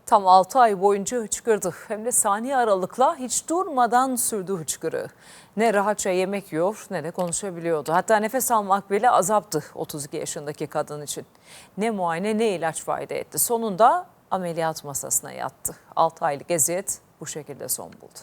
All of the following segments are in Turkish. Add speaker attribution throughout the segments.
Speaker 1: Tam 6 ay boyunca hıçkırdı. Hem de saniye aralıkla hiç durmadan sürdü hıçkırığı. Ne rahatça yemek yiyor ne de konuşabiliyordu. Hatta nefes almak bile azaptı 32 yaşındaki kadın için. Ne muayene ne ilaç fayda etti. Sonunda ameliyat masasına yattı. 6 aylık eziyet bu şekilde son buldu.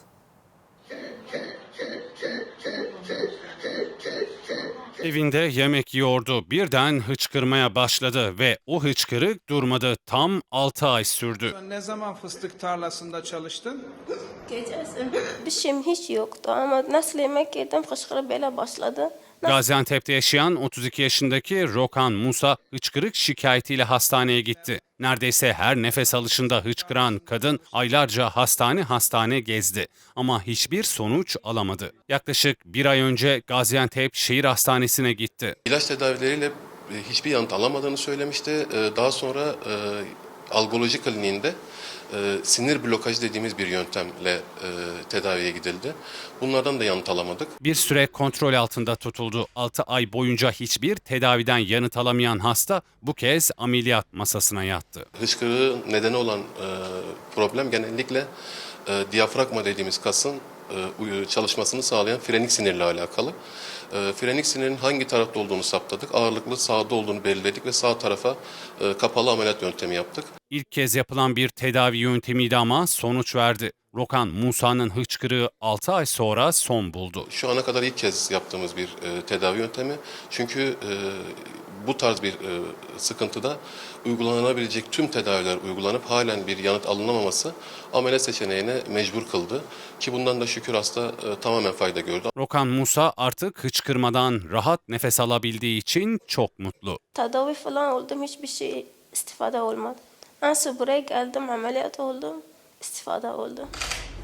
Speaker 2: Evinde yemek yiyordu. Birden hıçkırmaya başladı ve o hıçkırık durmadı. Tam 6 ay sürdü.
Speaker 3: Ne zaman fıstık tarlasında çalıştın?
Speaker 4: Gecesi. Bir şeyim hiç yoktu ama nasıl yemek yedim fışkırık böyle başladı.
Speaker 2: Gaziantep'te yaşayan 32 yaşındaki Rokan Musa hıçkırık şikayetiyle hastaneye gitti. Neredeyse her nefes alışında hıçkıran kadın aylarca hastane gezdi ama hiçbir sonuç alamadı. Yaklaşık bir ay önce Gaziantep Şehir Hastanesi'ne gitti.
Speaker 5: İlaç tedavileriyle hiçbir yanıt alamadığını söylemişti. Daha sonra algoloji kliniğinde sinir blokajı dediğimiz bir yöntemle tedaviye gidildi. Bunlardan da yanıt alamadık.
Speaker 2: Bir süre kontrol altında tutuldu. 6 ay boyunca hiçbir tedaviden yanıt alamayan hasta bu kez ameliyat masasına yattı.
Speaker 5: Hıçkırığı nedeni olan problem genellikle diyafragma dediğimiz kasın çalışmasını sağlayan frenik sinirle alakalı. Frenik sinirin hangi tarafta olduğunu saptadık. Ağırlıklı sağda olduğunu belirledik ve sağ tarafa kapalı ameliyat yöntemi yaptık.
Speaker 2: İlk kez yapılan bir tedavi yöntemiydi ama sonuç verdi. Rokan Musa'nın hıçkırığı 6 ay sonra son buldu.
Speaker 5: Şu ana kadar ilk kez yaptığımız bir tedavi yöntemi. Çünkü bu tarz bir sıkıntıda uygulanabilecek tüm tedaviler uygulanıp halen bir yanıt alınamaması ameliyat seçeneğine mecbur kıldı. Ki bundan da şükür hasta tamamen fayda gördü.
Speaker 2: Rokan Musa artık hıçkırmadan rahat nefes alabildiği için çok mutlu.
Speaker 4: Tedavi falan oldum hiçbir şey istifade olmadı. Nasıl buraya geldim ameliyat oldum istifade oldu.